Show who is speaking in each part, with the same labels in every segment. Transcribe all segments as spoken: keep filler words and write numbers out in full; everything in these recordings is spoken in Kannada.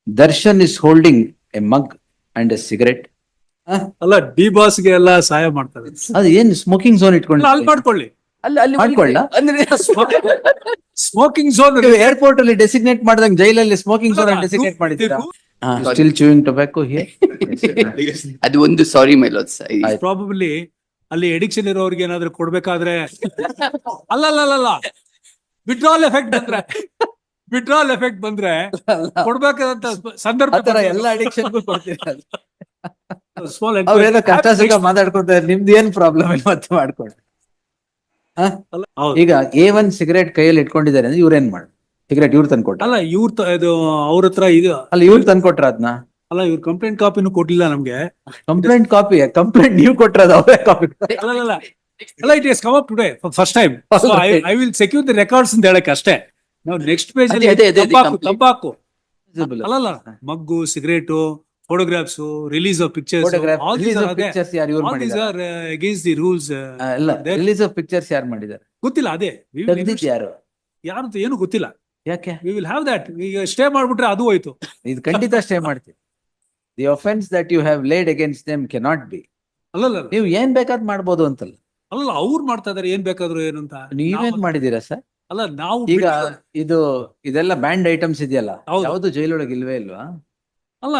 Speaker 1: Darshan is holding a mug and a cigarette.
Speaker 2: ಅಲ್ಲ ಡಿ ಬಾಸ್ ಗೆ ಎಲ್ಲ ಸಹಾಯ ಮಾಡ್ತಾರೆ.
Speaker 1: ಅದು ಏನ್ ಸ್ಮೋಕಿಂಗ್ ಝೋನ್ ಇಟ್ಕೊಂಡು
Speaker 2: ಅಲ್ಲಿ ಮಾಡ್ಕೊಳ್ಳಿ.
Speaker 3: ಅಲ್ಲಿ ಅಲ್ಲಿ
Speaker 1: ಮಾಡ್ಕೊಳ್ಳ
Speaker 3: ಅಂದ್ರೆ
Speaker 2: ಸ್ಮೋಕಿಂಗ್ ಝೋನ್
Speaker 1: ಏರ್ಪೋರ್ಟ್ ಅಲ್ಲಿ ಡೆಸಿಗ್ನೇಟ್ ಮಾಡಿದಂಗೆ ಜೈಲಲ್ಲಿ ಸ್ಮೋಕಿಂಗ್ ಝೋನ್ ಡೆಸಿಗ್ನೇಟ್ ಮಾಡಿದ್ದೀರಾ? Still chewing tobacco here.
Speaker 3: ಅದು ಒಂದು ಸಾರಿ ಮೈ ಲಾರ್ಡ್ಸ್.
Speaker 2: ಪ್ರಾಬಬ್ಲಿ ಅಲ್ಲಿ ಎಡಿಕ್ಷನ್ ಇರೋರಿಗೆ ಏನಾದ್ರು ಕೊಡ್ಬೇಕಾದ್ರೆ ಅಲ್ಲ ಅಲ್ಲ ಅಲ್ಲ ವಿಡ್ರಾಲ್ ಎಫೆಕ್ಟ್ ಬಂದ್ರೆ ವಿಡ್ರಾಲ್ ಎಫೆಕ್ಟ್ ಬಂದ್ರೆ ಕೊಡ್ಬೇಕಾದಂತ ಸಂದರ್ಭ
Speaker 1: ಆತರ ಎಲ್ಲ ಅಡಿಕ್ಷನ್ಗೂ ಕೊಡ್ತೀರಾ?
Speaker 2: ಸ್ಮಾಲ್
Speaker 1: ಅವ್ರೇನೋ ಕಷ್ಟ ಸುಖ ಮಾತಾಡ್ಕೊತಾರೆ, ನಿಮ್ದು ಏನ್ ಪ್ರಾಬ್ಲಮ್ ಇಲ್ಲ ಮತ್ತೆ ಮಾಡ್ಕೊಂಡು. ಈಗ ಎ ಒನ್ ಸಿಗರೇಟ್ ಕೈಯಲ್ಲಿ ಇಟ್ಕೊಂಡಿದ್ದಾರೆ ಅಂದ್ರೆ ಇವ್ರೇನ್ ಮಾಡ ಸಿಗರೇಟ್ ಇವ್ರು ತಂದ್ಕೊಟ್ಟ?
Speaker 2: ಅಲ್ಲ ಇವ್ರ ಇದು ಅವ್ರ ಹತ್ರ ಇದು
Speaker 1: ಅಲ್ಲ ಇವ್ರು ತಂದ್ಕೊಟ್ರ ಅದನ್ನ?
Speaker 2: ಅಲ್ಲ ಇವ್ರ ಕಂಪ್ಲೇಂಟ್ ಕಾಪಿನೂ ಕೊಟ್ಟಿಲ್ಲ ನಮ್ಗೆ.
Speaker 1: ಕಂಪ್ಲೇಂಟ್ ಕಾಪಿ ಕಂಪ್ಲೇಂಟ್ ನೀವು ಕೊಟ್ರದ ಅವರೇ ಕಾಪಿ?
Speaker 2: ಅಲ್ಲ ಅಲ್ಲ ಅಲ್ಲ it is come up today first time. I will secure the records ಅಂತ ಹೇಳಕ್ ಅಷ್ಟೇ. ನಾವು ನೆಕ್ಸ್ಟ್ ಪೇಜ್ ಅಲ್ಲಿ
Speaker 3: ಅದೇ, ಅದೇ, ಅದೇ,
Speaker 2: ತಂಬಾಕು
Speaker 3: complete.
Speaker 2: ತಂಬಾಕು ಅಲ್ಲಲ್ಲ ಮಗ್ಗು cigarette photographs release of pictures all these are
Speaker 1: pictures ಯಾರು ಇವ್ರು
Speaker 2: ಆಲ್ ದೀಸ್
Speaker 1: ಮಾಡಿದ್ದಾರೆ?
Speaker 2: Are against the rules.
Speaker 1: ಇಲ್ಲ ರಿಲೀಸ್ ಆಫ್ ಪಿಕ್ಚರ್ಸ್ ಯಾರು ಮಾಡಿದ್ದಾರೆ?
Speaker 2: ಗೊತ್ತಿಲ್ಲ ಅದೇ we will
Speaker 1: ತೆಗ್ದಿದ್
Speaker 2: invest-
Speaker 1: ಯಾರು?
Speaker 2: ಯಾರು ಅಂತ ಏನು ಗೊತ್ತಿಲ್ಲ.
Speaker 1: ಯಾಕೆ?
Speaker 2: We will have that. ಈಗ ಸ್ಟೇ ಮಾಡ್ಬಿಟ್ರೆ ಅದು ಹೋಯ್ತು.
Speaker 1: ಇದು ಖಂಡಿತ ಸ್ಟೇ ಮಾಡ್ತೀವಿ. The offence that you have laid against them cannot be.
Speaker 2: ಅಲ್ಲಲ್ಲ
Speaker 1: ನೀವು ಏನ್ ಬೇಕಾದ್ ಮಾಡ್ಬೋದು ಅಂತಲ್ಲ.
Speaker 2: ಅಲ್ಲಲ್ಲ ಅವ್ರು ಮಾಡ್ತಾ ಇದಾರೆ ಏನ್ ಬೇಕಾದ್ರು ಏನು ಅಂತ.
Speaker 1: ನೀವೇನ್
Speaker 2: ನಾವು-
Speaker 1: ಮಾಡಿದೀರಾ ಸರ್?
Speaker 2: ಅಲ್ಲ ನಾವು
Speaker 1: ಈಗ
Speaker 2: ಬಿಟ್ಟು-
Speaker 1: ಇದು ಇದೆಲ್ಲ ಬ್ಯಾಂಡ್ ಐಟಮ್ಸ್ ಇದೆಯಲ್ಲ,
Speaker 2: ಹೌದು.
Speaker 1: ಯಾವ್ದು ಜೈಲೊಳಗೆ ಇಲ್ವೇ ಇಲ್ವಾ?
Speaker 2: ಅಲ್ಲ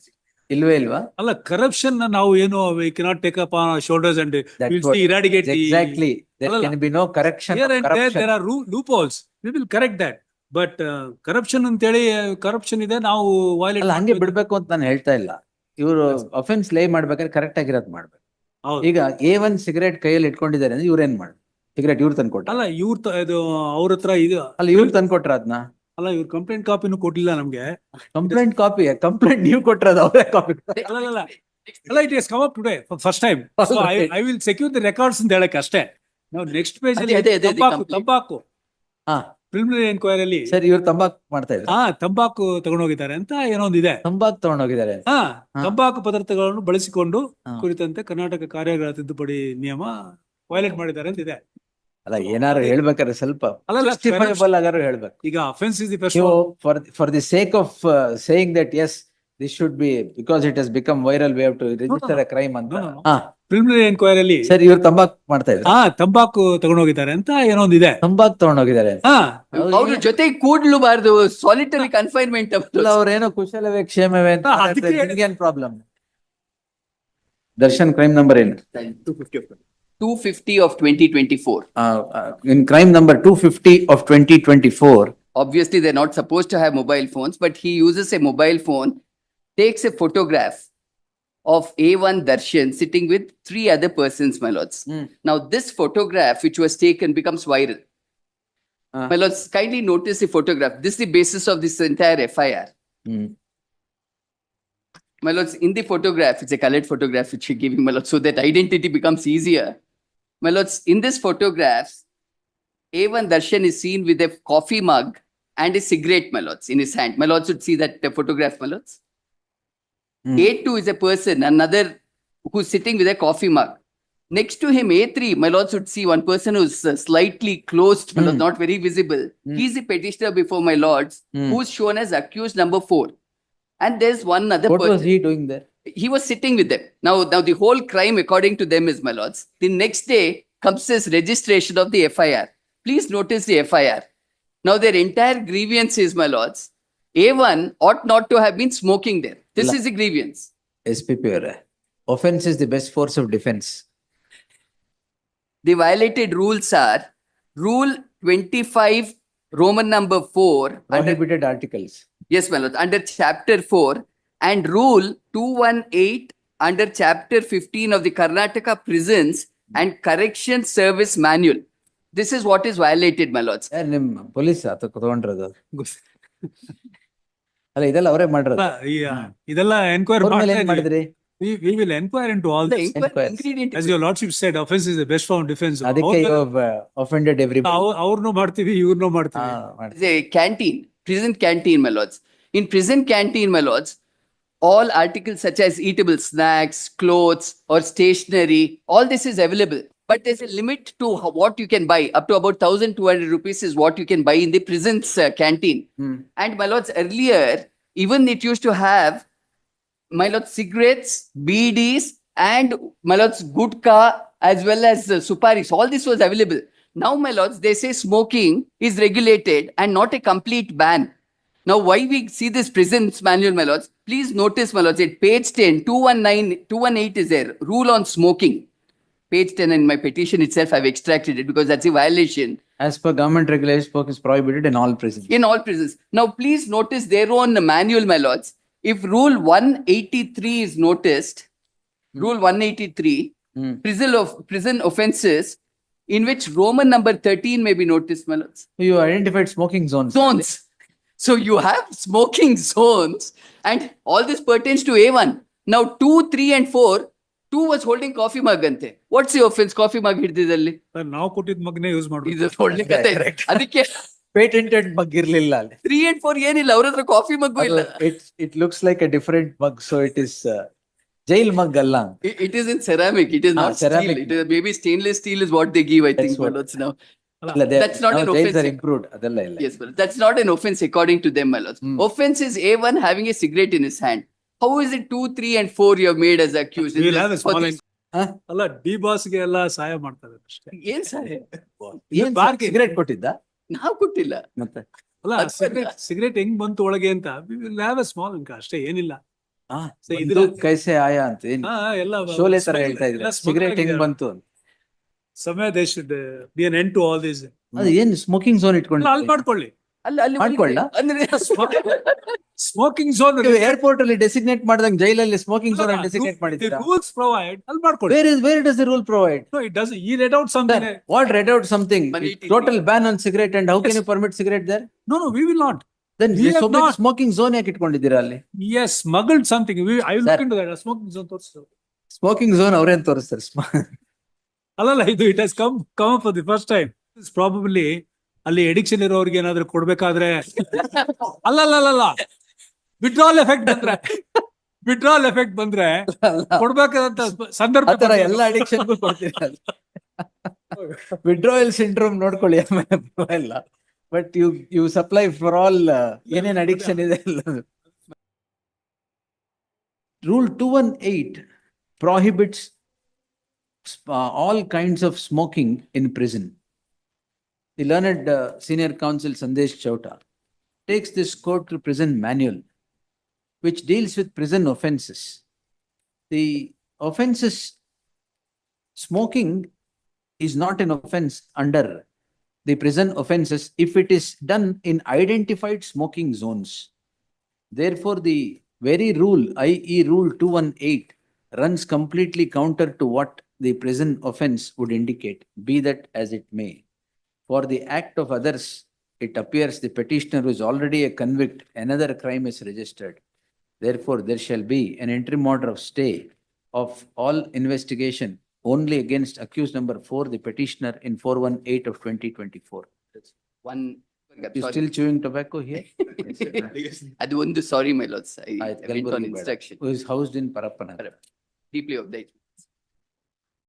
Speaker 1: ಇಲ್ವೇ ಇಲ್ವಾ?
Speaker 2: ಅಲ್ಲ ಕರಪ್ಷನ್ ನಾವು ಏನು we cannot take up on shoulders and
Speaker 1: That's
Speaker 2: will
Speaker 1: what-
Speaker 2: eradicate
Speaker 1: Exactly. There
Speaker 2: ಅಲ್ಲಲ್ಲ.
Speaker 1: can be no correction
Speaker 2: here
Speaker 1: of
Speaker 2: and there
Speaker 1: corruption.
Speaker 2: there are loopholes. We will correct that. But corruption ಅಂತೇಳಿ ಕರಪ್ಷನ್ ಇದೆ ನಾವು violate
Speaker 1: ಅಲ್ಲ ಹಂಗೆ
Speaker 2: ಮಾಡ್ತೀವಿ.
Speaker 1: ಬಿಡ್ಬೇಕು ಅಂತ ನಾನು ಹೇಳ್ತಾ ಇಲ್ಲ. ಇವರು ಅಫೆನ್ಸ್ ಲೇ ಮಾಡ್ಬೇಕಾದ್ರೆ ಕರೆಕ್ಟ್ ಆಗಿರೋದ್ ಮಾಡ್ಬೇಕು.
Speaker 2: ಹೌದು.
Speaker 1: ಈಗ ಎ ಒನ್ ಸಿಗರೇಟ್ ಕೈಯಲ್ಲಿ ಇಟ್ಕೊಂಡಿದ್ದಾರೆ ಅಂದ್ರೆ ಇವ್ರೇನ್ ಮಾಡ ಸಿಗರೇಟ್ ಇವ್ರು ತಂದ್ಕೊಟ್ಟ?
Speaker 2: ಅಲ್ಲ ಇವ್ರ ಇದು ಅವ್ರ ಹತ್ರ ಇದು
Speaker 1: ಅಲ್ಲ ಇವ್ರು ತಂದ್ಕೊಟ್ರ ಅದನ್ನ?
Speaker 2: ಅಲ್ಲ ಇವ್ರ ಕಂಪ್ಲೇಂಟ್ ಕಾಪಿನೂ ಕೊಟ್ಟಿಲ್ಲ ನಮ್ಗೆ.
Speaker 1: ಕಂಪ್ಲೇಂಟ್ ಕಾಪಿ ಕಂಪ್ಲೇಂಟ್ ನೀವು ಕೊಟ್ರದ ಅವರೇ ಕಾಪಿ?
Speaker 2: ಅಲ್ಲ ಅಲ್ಲ ಅಲ್ಲ it is come up today first time. I will secure the records ಅಂತ ಹೇಳಕ್ ಅಷ್ಟೇ. ನಾವು ನೆಕ್ಸ್ಟ್ ಪೇಜ್ ಅಲ್ಲಿ
Speaker 3: ಅದೇ, ಅದೇ, ಅದೇ,
Speaker 2: ತಂಬಾಕು
Speaker 3: complete.
Speaker 2: ತಂಬಾಕು
Speaker 1: ಹಾ
Speaker 2: ಪ್ರಿಲಿಮಿನರಿ ಎನ್ಕ್ವೈರಿಯಲ್ಲಿ
Speaker 1: ಸರ್, ಇವ್ರು ತಂಬಾಕ್ ಮಾಡ್ತಾ ಇದ್ರು.
Speaker 2: ಹಾ ತಂಬಾಕು ತಗೊಂಡೋಗಿದ್ದಾರೆ ಅಂತ ಏನೊಂದಿದೆ.
Speaker 1: ತಂಬಾಕ್ ತಗೊಂಡೋಗಿದ್ದಾರೆ.
Speaker 2: ಹಾ
Speaker 1: ಹಾ.
Speaker 2: ತಂಬಾಕು ಪದಾರ್ಥಗಳನ್ನು ಬಳಸಿಕೊಂಡು
Speaker 1: ಹಾ.
Speaker 2: ಕುರಿತಂತೆ ಕರ್ನಾಟಕ ಕಾರ್ಯಗಳ ತಿದ್ದುಪಡಿ ನಿಯಮ ವೈಲೇಟ್ ಮಾಡಿದ್ದಾರೆ ಅಂತ ಇದೆ.
Speaker 1: ಅಲ್ಲ ಏನಾರು ಹೇಳ್ಬೇಕಾದ್ರೆ ಸ್ವಲ್ಪ
Speaker 2: ಅಲ್ಲಲ್ಲ
Speaker 1: justifiable ಆಗಾರು ಹೇಳ್ಬೇಕು.
Speaker 2: ಈಗ ಅಫೆನ್ಸ್ ಇಸ್ ದಿ ಫಸ್ಟ್.
Speaker 1: ನೀವು for for the sake of saying that as this should be because it has become viral we have to register a crime ಅಂತ. ಹಾ
Speaker 2: ಪ್ರಿಲಿಮಿನರಿ ಎನ್ಕ್ವೈರಿಯಲ್ಲಿ
Speaker 1: ಸರ್, ಇವ್ರು ತಂಬಾಕ್ ಮಾಡ್ತಾ ಇದ್ರು.
Speaker 2: ಹಾ ತಂಬಾಕು ತಗೊಂಡೋಗಿದ್ದಾರೆ ಅಂತ ಏನೊಂದಿದೆ.
Speaker 1: ತಂಬಾಕ್ ತಗೊಂಡೋಗಿದ್ದಾರೆ.
Speaker 2: ಹಾ
Speaker 3: ಅವ್ರ ಜೊತೆ ಕೂಡ್ಲುಬಾರ್ದು, ಸಾಲಿಟರಿ ಕನ್ಫೈನ್ಮೆಂಟ್.
Speaker 1: ಅಲ್ಲ ಅವ್ರೇನೋ ಕುಶಲವೇ ಕ್ಷೇಮವೇ ಅಂತ
Speaker 2: ಹಾ, ಅದಕ್ಕೆ
Speaker 1: ಮಾತಾಡ್ತಾರೆ. ನಿಮ್ಗೇನ್ ಪ್ರಾಬ್ಲಮ್? ದರ್ಶನ್ ಕ್ರೈಮ್ ನಂಬರ್ ಏನು?
Speaker 3: two fifty of twenty twenty-four.
Speaker 1: In crime number two fifty of twenty twenty four.
Speaker 3: Obviously, they're not supposed to have mobile phones, but he uses a mobile phone, takes a photograph of A one Darshan sitting with three other persons, my lords.
Speaker 1: Hmm.
Speaker 3: Now, this photograph, which was taken, becomes viral.
Speaker 1: Ah.
Speaker 3: My lords, kindly notice the photograph. This is the basis of this entire F I R. My lords, in the photograph, it's a colored photograph which you're giving, my lords, so that identity becomes easier. My lords, in this photograph, A one Darshan is seen with a coffee mug and a cigarette, my lords, in his hand. My lords should see that uh, photograph, my lords.
Speaker 1: Hmm.
Speaker 3: A two is a person, another who's sitting with a coffee mug. Next to him, A three, my lords should see one person who's uh, slightly closed, my lords,
Speaker 1: Hmm.
Speaker 3: not very visible.
Speaker 1: Hmm.
Speaker 3: He's the petitioner before my lords,
Speaker 1: Hmm.
Speaker 3: who's shown as accused number four. And there's one other
Speaker 1: What
Speaker 3: person.
Speaker 1: was he doing there?
Speaker 3: He was sitting with them. Now, now the whole crime, according to them, is, my lords, the next day comes this registration of the F I R. Please notice the F I R. Now, their entire grievance is, my lords, A one ought not to have been smoking there. This
Speaker 1: La-
Speaker 3: is the grievance.
Speaker 1: S P P ಅವರೇ, offense is the best force of defense.
Speaker 3: The violated rules are Rule twenty-five, Roman number four, under,
Speaker 1: Prohibited articles.
Speaker 3: yes, my lords, under Chapter four, and Rule two eighteen under Chapter fifteen of the Karnataka Prisons and Correction Service Manual. This is what is violated, my lords.
Speaker 1: ಯಾರು ನಿಮ್ ಪೊಲೀಸ್ ತಗೊಂಡ್ರದು? ಅಲ್ಲ ಇದೆಲ್ಲ ಅವರೇ ಮಾಡಿರೋದು.
Speaker 2: ಇದೆಲ್ಲ ಎನ್ಕ್ವೈರಿ
Speaker 1: ಅವ್ರ ಮೇಲೆ ಏನ್ ಮಾಡಿದ್ರಿ?
Speaker 2: we will inquire into all
Speaker 3: The
Speaker 2: this.
Speaker 3: inquir-
Speaker 1: Inquest.
Speaker 3: ingredient
Speaker 2: As your lordship said, offense is the best form of defense.
Speaker 1: ಅದಕ್ಕೆ you have uh, offended everybody.
Speaker 2: ಅವ್ರನ್ನೂ ಮಾಡ್ತೀವಿ ಇವ್ರನ್ನೂ
Speaker 1: ಹಾ,
Speaker 2: ಮಾಡ್ತೀವಿ.
Speaker 1: ಮಾಡಿ.
Speaker 3: is a canteen, prison canteen, my lords. In prison canteen, my lords, all articles such as eatable snacks, clothes, or stationery, all this is available. But there's a limit to how- what you can buy. Up to about one thousand two hundred rupees is what you can buy in the prison's uh, canteen.
Speaker 1: Hmm.
Speaker 3: And my lords, earlier, even it used to have, my lord, cigarettes, B Ds, and my lords, gutka, as well as uh, suparis. All this was available. Now, my lords, they say smoking is regulated and not a complete ban. Now, why we see this prisons manual, my lords? Please notice, my lords, at page ten, two nineteen, two eighteen is there, rule on smoking. Page ten in my petition itself, I've extracted it because that's a violation
Speaker 1: As per government regulations, smoke is prohibited in all prisons.
Speaker 3: in all prisons. Now, please notice their own manual, my lords. If rule one eighty-three is noticed, rule one eighty-three,
Speaker 1: Hmm.
Speaker 3: prison of prison offences, in which Roman number thirteen may be noticed, my lords.
Speaker 1: You identified smoking zones.
Speaker 3: Zones. So you have smoking zones, and all this pertains to A one. Now, two, three, and four, two was holding coffee mug ante. What's the offense? Coffee mug ಹಿಡಿದಿದ್ದಲ್ಲಿ
Speaker 2: ನಾವು ಕೊಟ್ಟಿದ್ ಮಗನೇ ಯೂಸ್ ಮಾಡ್ಬೇಕು.
Speaker 3: ಇದು ಒಳ್ಳೆ ಕತೆ.
Speaker 1: Correct.
Speaker 3: ಅದಕ್ಕೆ
Speaker 1: Patented mug ಇರ್ಲಿಲ್ಲ ಅಲ್ಲಿ.
Speaker 3: ತ್ರೀ ಅಂಡ್ ಫೋರ್ ಏನಿಲ್ಲ, ಅವ್ರ ಹತ್ರ ಕಾಫಿ ಮಗ್ಗು ಇಲ್ಲ.
Speaker 1: It it looks like a different mug, so it is uh, jail mug ಅಲ್ಲ.
Speaker 3: It- It is in ceramic. It is
Speaker 1: Ah,
Speaker 3: not steel.
Speaker 1: ceramic.
Speaker 3: It is maybe stainless steel is what they give. I think.
Speaker 1: That's what-
Speaker 3: my lords, now.
Speaker 1: ಇಲ್ಲ, they-
Speaker 3: That's not
Speaker 1: now
Speaker 3: an
Speaker 1: jails
Speaker 3: offense.
Speaker 1: are improved. ಅದೆಲ್ಲ ಇಲ್ಲ.
Speaker 3: Yes, but that's not an offense according to them, my lords.
Speaker 1: Hmm.
Speaker 3: Offense is A one having a cigarette in his hand. How is it two, three, and four you have made as accused? in
Speaker 2: We'll
Speaker 3: this-
Speaker 2: have a
Speaker 3: for
Speaker 2: small
Speaker 3: this-
Speaker 1: Huh?
Speaker 2: ಅಲ್ಲ ಡಿ ಬಾಸ್ಗೆ ಎಲ್ಲ ಸಹಾಯ ಮಾಡ್ತಾರೆ ಅಷ್ಟೇ.
Speaker 3: ಏನ್ ಸರ್?
Speaker 1: ಏನ್
Speaker 2: ಬಾರ್ಗೆ-
Speaker 1: ಸಿಗರೇಟ್ ಕೊಟ್ಟಿದ್ದ
Speaker 3: ನಾವು ಕೊಟ್ಟಿಲ್ಲ.
Speaker 1: ಮತ್ತೆ
Speaker 2: ಅಲ್ಲ
Speaker 3: ಅದ್
Speaker 2: ಸಿಗರೇಟ್ ಸಿಗರೇಟ್ ಹೆಂಗ್ ಬಂತು ಒಳಗೆ ಅಂತ ಲ್ಯಾವ್ ಸ್ಮಾಲ್ ಅಂಕ ಅಷ್ಟೇ, ಏನಿಲ್ಲ.
Speaker 1: ಆ,
Speaker 2: So
Speaker 1: ಬಂದು
Speaker 2: ಇದ್ರ-
Speaker 1: ಕೈಸೆ ಆಯಾ ಅಂತ ಏನ್
Speaker 2: ಹಾ, ಎಲ್ಲ
Speaker 1: ಶೋಲೆ ತರ
Speaker 2: small-
Speaker 1: ಹೇಳ್ತಾ ಇದ್ರೆ
Speaker 2: ಎಲ್ಲ small
Speaker 1: ಸಿಗರೇಟ್ ಹೆಂಗ್
Speaker 2: ಆಗಿದೆ.
Speaker 1: ಬಂತು ಅಂತ.
Speaker 2: ಸಮಯ they should be an end to all this.
Speaker 1: ಅದು ಏನ್ ಸ್ಮೋಕಿಂಗ್ ಝೋನ್ ಇಟ್ಕೊಂಡು
Speaker 2: ಅಲ್ಲಿ ಮಾಡ್ಕೊಳ್ಳಿ.
Speaker 3: ಅಲ್ಲ ಅಲ್ಲಿ
Speaker 1: ಮಾಡ್ಕೊಳ್ಳ?
Speaker 3: ಅಂದ್ರೆ
Speaker 2: ಸ್ಮೋಕಿಂಗ್ ಝೋನ್
Speaker 1: ಏರ್ಪೋರ್ಟ್ ಅಲ್ಲಿ ಡೆಸಿಗ್ನೇಟ್ ಮಾಡ್ದಂಗ್ ಜೈಲಲ್ಲಿ ಸ್ಮೋಕಿಂಗ್ ಝೋನ್ ಡೆಸಿಗ್ನೇಟ್ ಮಾಡಿದ್ದೀರಾ?
Speaker 2: ರೂಲ್ಸ್ ಪ್ರೊವೈಡ್ ಅಲ್ಲಿ ಮಾಡ್ಕೊಳ್ಳಿ.
Speaker 1: Where is where does the rule provide?
Speaker 2: No, it doesn't. He read out something.
Speaker 1: Sir, what read out something?
Speaker 3: one eighty-three.
Speaker 1: Total ban on cigarette, and how can
Speaker 2: Yes.
Speaker 1: you permit cigarette there?
Speaker 2: No, no, we will not.
Speaker 1: Then
Speaker 2: We have
Speaker 1: so big
Speaker 2: not.
Speaker 1: smoking zone ಯಾಕೆ ಇಟ್ಕೊಂಡಿದ್ದೀರಾ ಅಲ್ಲಿ?
Speaker 2: Yes, smuggled something. We, I will
Speaker 1: Sir.
Speaker 2: look into that. Smoking zone ತೋರಿಸ್ತು.
Speaker 1: ಸ್ಮೋಕಿಂಗ್ ಝೋನ್ ಅವ್ರೇನ್ ತೋರಿಸ್ತಾರೆ?
Speaker 2: ಅಲ್ಲಲ್ಲ, ಇದು it has come come for the first time. Probably ಅಲ್ಲಿ ಎಡಿಕ್ಷನ್ ಇರೋರಿಗೆ ಏನಾದ್ರು ಕೊಡ್ಬೇಕಾದ್ರೆ ಅಲ್ಲಲ್ಲ ವಿಡ್ರಾಲ್ ಎಫೆಕ್ಟ್ ಬಂದ್ರೆ ವಿಡ್ರಾಲ್ ಎಫೆಕ್ಟ್ ಬಂದ್ರೆ ಕೊಡ್ಬೇಕಾದಂತ ಸಂದರ್ಭ
Speaker 1: ಆತರ ಎಲ್ಲ ಅಡಿಕ್ಷನ್ಗೂ ಕೊಡ್ತೀರಾ? ವಿಡ್ರಾಯಲ್ ಸಿಂಡ್ರೋಮ್ ನೋಡ್ಕೊಳ್ಳಿ ಆಮೇಲೆ ಇಲ್ಲ. But you you supply for all ಏನೇನ್ ಅಡಿಕ್ಷನ್ ಇದೆ ಎಲ್ಲ. Rule two one eight prohibits uh, all kinds of smoking in prison. The learned uh, senior counsel Sandesh Chauta takes this court to prison manual, which deals with prison offences. The offenses, smoking is not an offense under the prison offenses if it is done in identified smoking zones. Therefore, the very rule, that is Rule two one eight, runs completely counter to what the prison offense would indicate, be that as it may. For the act of others, it appears the petitioner who is already a convict, another crime is registered. Therefore, there shall be an interim order of stay of all investigation only against accused number four, the petitioner, in four one eight of twenty twenty-four.
Speaker 3: one.
Speaker 1: You
Speaker 3: sorry.
Speaker 1: still chewing tobacco here?
Speaker 3: ಅದು ಒಂದು ಸಾರಿ, my lords. I
Speaker 1: ಆಯ್ತು,
Speaker 3: I went on
Speaker 1: ಕಲ್ಬುರ್ಗಿ ಬೇಡ.
Speaker 3: instruction.
Speaker 1: Who is housed in Parappanagar.
Speaker 3: Deeply obliged.